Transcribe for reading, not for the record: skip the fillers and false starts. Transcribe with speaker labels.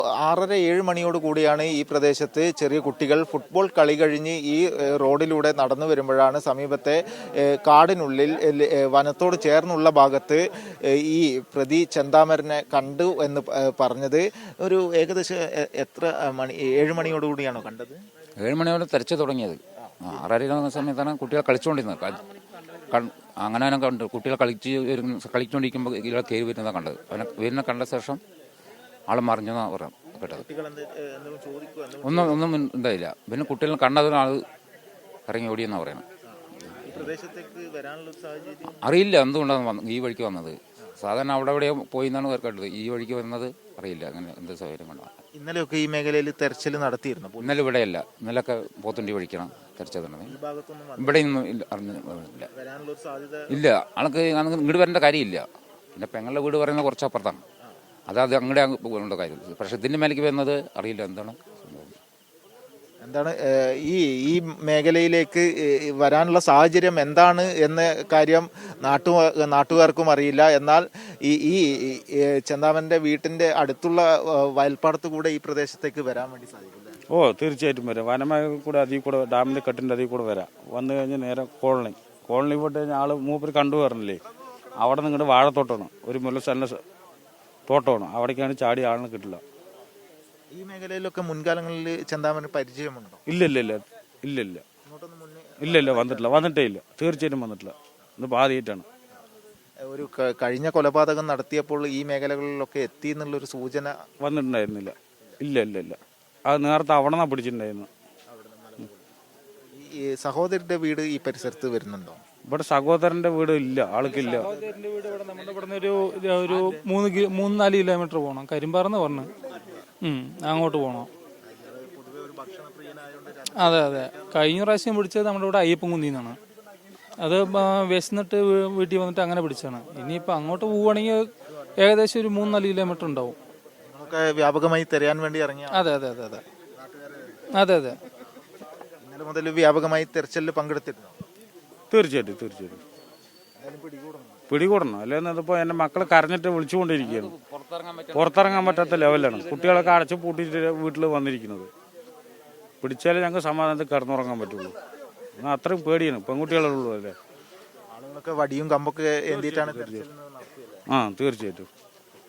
Speaker 1: 6:30-7 മണിയോട് കൂടിയാണ് ഈ പ്രദേശത്ത് ചെറിയ കുട്ടികൾ ഫുട്ബോൾ കളി കഴിഞ്ഞ് ഈ റോഡിലൂടെ നടന്നു വരുമ്പോഴാണ് സമീപത്തെ കാടിനുള്ളിൽ വനത്തോട് ചേർന്നുള്ള ഭാഗത്ത് ഈ പ്രതി ചെന്താമരനെ കണ്ടു എന്ന് പറഞ്ഞത്. ഒരു ഏകദേശം എത്ര മണി 7 മണിയോട് കൂടിയാണോ കണ്ടത്?
Speaker 2: 7 മണിയോടെ തെരച്ചു തുടങ്ങിയത്. 6:30 സമയത്താണ് കുട്ടികൾ കളിച്ചുകൊണ്ടിരുന്നത്. അങ്ങനെ കണ്ടു. കുട്ടികൾ കളിച്ചുകൊണ്ടിരിക്കുമ്പോൾ ഇയാൾ കയറി വരുന്നതാണ് കണ്ടത്. അവനെ വരുന്ന കണ്ട ശേഷം ആൾ മറിഞ്ഞെന്നാണ് പറയാം കേട്ടത്. ഒന്നും ഉണ്ടായില്ല. പിന്നെ കുട്ടികൾ കണ്ടതിന് ആൾ ഇറങ്ങി ഓടിയെന്നാണ് പറയുന്നത്. അറിയില്ല എന്തുകൊണ്ടാണ് ഈ വഴിക്ക് വന്നത്. സാധാരണ അവിടെ എവിടെയോ പോയി എന്നാണ് കേട്ടത്. ഈ വഴിക്ക് വരുന്നത് അറിയില്ല അങ്ങനെ എന്ത് സൗകര്യം കൊണ്ടാണ്.
Speaker 1: ഇന്നലെയൊക്കെ ഈ മേഖലയിൽ തെരച്ചിൽ നടത്തിയിരുന്നു.
Speaker 2: ഇന്നലെ ഇവിടെയല്ല, ഇന്നലെയൊക്കെ പോത്തുണ്ടി വഴിക്കണം തെരച്ചതുണ്ട്. ഇവിടെ ഒന്നും ഇല്ല. ആൾക്ക് ഇങ്ങോട്ട് വരേണ്ട കാര്യമില്ല. പിന്നെ പെങ്ങളുടെ വീട് പറയുന്നത് കുറച്ചപ്പുറത്താണ്. അത് അങ്ങോട്ട് പോകേണ്ട കാര്യം. പക്ഷെ ഇതിന്റെ മേലേക്ക് വരുന്നത് അറിയില്ല എന്താണ്
Speaker 1: ഈ മേഖലയിലേക്ക് വരാനുള്ള സാഹചര്യം എന്താണ് എന്ന കാര്യം നാട്ടുകാർക്കും അറിയില്ല. എന്നാൽ ഈ ചെന്താമന്റെ വീട്ടിന്റെ അടുത്തുള്ള വയൽപ്പാടത്ത് കൂടെ ഈ പ്രദേശത്തേക്ക് വരാൻ വേണ്ടി സാധിക്കില്ല.
Speaker 3: തീർച്ചയായിട്ടും വരാം. വനമേഖല കൂടെ അതിൽ കൂടെ ഡാമിന്റെ കെട്ടിന്റെ അതിൽ കൂടെ വരാം. വന്നു കഴിഞ്ഞാൽ നേരെ കോളനി പോയിട്ട് കഴിഞ്ഞാൽ ആള് മൂപ്പര് കണ്ടുവരണില്ലേ, അവിടെ നിങ്ങളുടെ വാഴത്തോട്ടമാണ്, ഒരു മുല്ലസ്ഥല തോട്ടമാണ്. അവിടേക്കാണ് ചാടി ആളിനെ കിട്ടില്ല.
Speaker 1: ഈ മേഖലയിലൊക്കെ മുൻകാലങ്ങളിൽ ചെന്താമന് പരിചയമുണ്ടോ?
Speaker 3: ഇല്ല വന്നിട്ടേ ഇല്ല. തീർച്ചയായിട്ടും വന്നിട്ടില്ല. ഇത് ആദ്യമായിട്ടാണ്.
Speaker 1: ഒരു കഴിഞ്ഞ കൊലപാതകം നടത്തിയപ്പോൾ ഈ മേഖലകളിലൊക്കെ എത്തി എന്നുള്ളൊരു സൂചന
Speaker 3: വന്നിട്ടുണ്ടായിരുന്നില്ല. ഇല്ല. അത് നേരത്തെ അവിടെ നിന്നാണ് പിടിച്ചിട്ടുണ്ടായിരുന്നു.
Speaker 1: ഈ സഹോദരന്റെ വീട് ഈ പരിസരത്ത് വരുന്നുണ്ടോ?
Speaker 3: ഇവിടെ സഹോദരന്റെ വീട് ഇല്ല, ആൾക്കില്ല.
Speaker 4: സഹോദരന്റെ വീട് ഇവിടെ നമ്മുടെ ഇവിടെ ഒരു 3-4 കിലോമീറ്റർ പോകണം. കരിമ്പാറന്ന് പറഞ്ഞു അങ്ങോട്ട് പോകണം. അതെ. കഴിഞ്ഞ പ്രാവശ്യം പിടിച്ചത് നമ്മുടെ ഇവിടെ അയ്യപ്പൻകുന്നിന്നാണ്. അത് വിശന്നിട്ട് വീട്ടിൽ വന്നിട്ട് അങ്ങനെ പിടിച്ചാണ്. ഇനിയിപ്പോൾ അങ്ങോട്ട് പോവുകയാണെങ്കിൽ ഏകദേശം ഒരു 3-4 കിലോമീറ്റർ ഉണ്ടാവും.
Speaker 1: വ്യാപകമായി തെരയാൻ വേണ്ടി ഇറങ്ങിയ?
Speaker 4: അതെ.
Speaker 1: ഇന്നലെ മുതൽ വ്യാപകമായി തെരച്ചിലിൽ പങ്കെടുത്തിരുന്നു.
Speaker 3: തീർച്ചയായിട്ടും പിടികൂടണം. അല്ലെന്ന് ഇതിപ്പോ എന്റെ മക്കള് കരഞ്ഞിട്ട് വിളിച്ചുകൊണ്ടിരിക്കുകയാണ്. പുറത്തിറങ്ങാൻ പറ്റാത്ത ലെവലാണ്. കുട്ടികളൊക്കെ അടച്ചു പൂട്ടിയിട്ട് വീട്ടിൽ വന്നിരിക്കുന്നത്. പിടിച്ചാലേ ഞങ്ങൾക്ക് സമാധാനത്തിൽ കിടന്നുറങ്ങാൻ പറ്റുള്ളൂ. അത്രയും പേടിയാണ്. പെൺകുട്ടികളുള്ളൂ അല്ലേ.
Speaker 1: ആളുകളൊക്കെ വടിയും കമ്പൊക്കെ എന്തിട്ടാണ്?
Speaker 3: തീർച്ചയായിട്ടും.